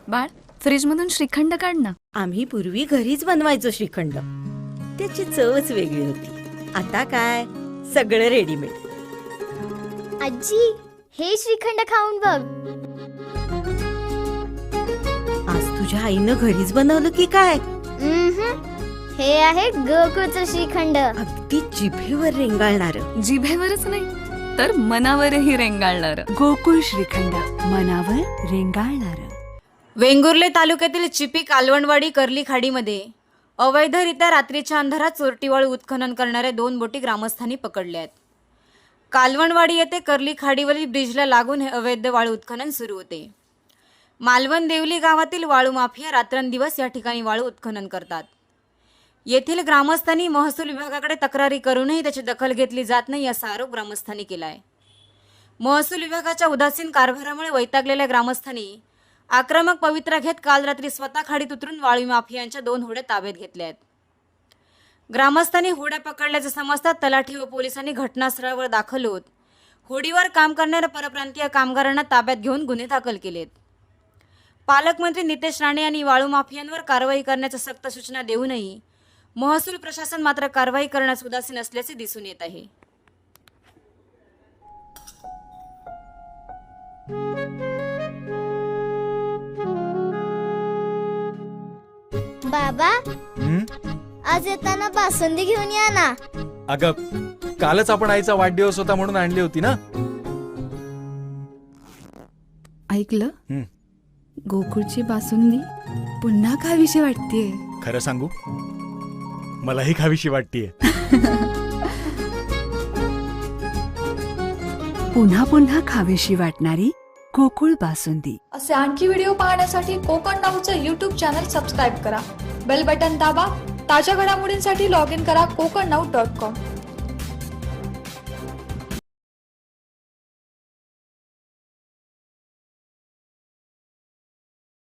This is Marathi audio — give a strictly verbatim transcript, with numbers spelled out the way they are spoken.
बाळ, फ्रीज मधून श्रीखंड काढ ना. आम्ही पूर्वी घरीच बनवायचो श्रीखंड. त्याची चवच वेगळी होती. आता काय सगळं रेडीमेड. आजी, हे श्रीखंड खाऊन बघ. आज तुझ्या आईनं घरीच बनवलं की काय? उम्हम. हे आहे गोकुळचं श्रीखंड. अगदी जिभेवर रेंगाळणार. जिभेवरच नाही तर मनावरही रेंगाळणार. गोकुळ श्रीखंड, मनावर रेंगाळणार. वेंगुर्ले तालुक्यातील चिपी कालवणवाडी कर्ली खाडीमध्ये अवैधरित्या रात्रीच्या अंधारात चोरटी वाळू उत्खनन करणाऱ्या दोन बोटी ग्रामस्थांनी पकडल्या आहेत. कालवणवाडी येथे कर्ली खाडीवरील ब्रिजला लागून हे अवैध वाळू उत्खनन सुरू होते. मालवण देवली गावातील वाळू माफिया रात्रंदिवस या ठिकाणी वाळू उत्खनन करतात. येथील ग्रामस्थांनी महसूल विभागाकडे तक्रारी करूनही त्याची दखल घेतली जात नाही असा आरोप ग्रामस्थांनी केला आहे. महसूल विभागाच्या उदासीन कारभारामुळे वैतागलेल्या ग्रामस्थांनी आक्रमक पवित्रा घेत काल रात्री स्वतः खाडीत उतरून वाळू माफियांच्या दोन होड्या ताब्यात घेतल्या आहेत. ग्रामस्थांनी होड्या पकडल्याचे समजतात तलाठी व पोलिसांनी घटनास्थळावर दाखल होत होडीवर काम करणाऱ्या परप्रांतीय कामगारांना ताब्यात घेऊन गुन्हे दाखल केलेत. पालकमंत्री नितेश राणे यांनी वाळू माफियांवर कारवाई करण्याच्या सक्त सूचना देऊनही महसूल प्रशासन मात्र कारवाई करण्यास उदासीन असल्याचे दिसून येत आहे. बाबा, हं? आज येताना बासुंदी घेऊन या ना. अगं, कालच आपण आईचा वाढदिवस होता म्हणून आणली होती ना. ऐकलं? हं. गोकुळची बासुंदी पुन्हा खावीशी वाटतेय. खरं सांगू, मलाही खावीशी वाटतीये. पुन्हा पुन्हा खावीशी वाटणारी गोकुळ बासुंदी. असे आणखी व्हिडिओ पाहण्यासाठी कोकण नाऊचं यूट्यूब चॅनल सबस्क्राईब करा. बेल बटन दाबा. ताज्या घडामोडींसाठी लॉग इन करा कोकण नाऊ डॉट कॉम.